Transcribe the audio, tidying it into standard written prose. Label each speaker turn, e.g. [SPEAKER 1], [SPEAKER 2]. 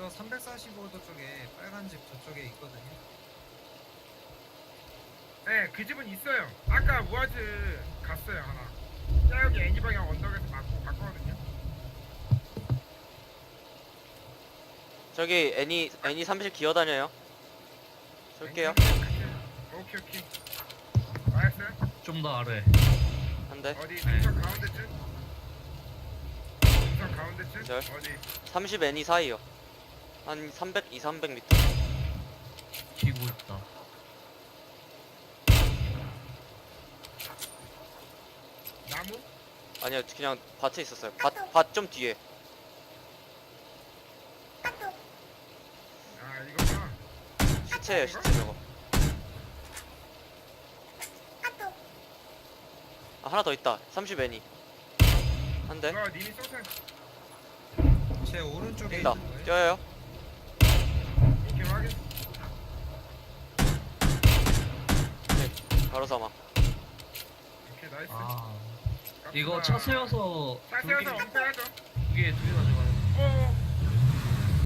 [SPEAKER 1] 저 345도 쪽에 빨간 집 저쪽에 있거든요.
[SPEAKER 2] 네, 그 집은 있어요. 아까 우아즈 갔어요 하나. 여기 애니 방향 언덕에서 맞거든요.
[SPEAKER 3] 저기 애니 30 기어다녀요. 쏠게요.
[SPEAKER 2] 오케이 오케이. 알았어요?
[SPEAKER 4] 좀 더 아래.
[SPEAKER 3] 한 대.
[SPEAKER 2] 어디 능선 가운데쯤? 능선 가운데쯤?
[SPEAKER 3] 기절.
[SPEAKER 2] 어디?
[SPEAKER 3] 30 애니 사이요. 한 300, 200m.
[SPEAKER 4] 기고 있다.
[SPEAKER 2] 나무?
[SPEAKER 3] 아니요, 그냥 밭에 있었어요. 밭 좀 뒤에.
[SPEAKER 2] 아 이거구나.
[SPEAKER 3] 시체예요, 시체 저거. 아, 하나 더 있다. 30 애니. 한 대.
[SPEAKER 2] 이거 님이 쏘세요.
[SPEAKER 1] 제 오른쪽에
[SPEAKER 3] 뛴다.
[SPEAKER 1] 있는 거예요.
[SPEAKER 3] 뛰어요.
[SPEAKER 2] 오케이 확인.
[SPEAKER 3] 바로 사망.
[SPEAKER 2] 오케이 나이스.
[SPEAKER 4] 아
[SPEAKER 2] 갑시다.
[SPEAKER 4] 이거 차 세워서
[SPEAKER 2] 차 세워서 엄폐하죠.
[SPEAKER 4] 두개 가져가는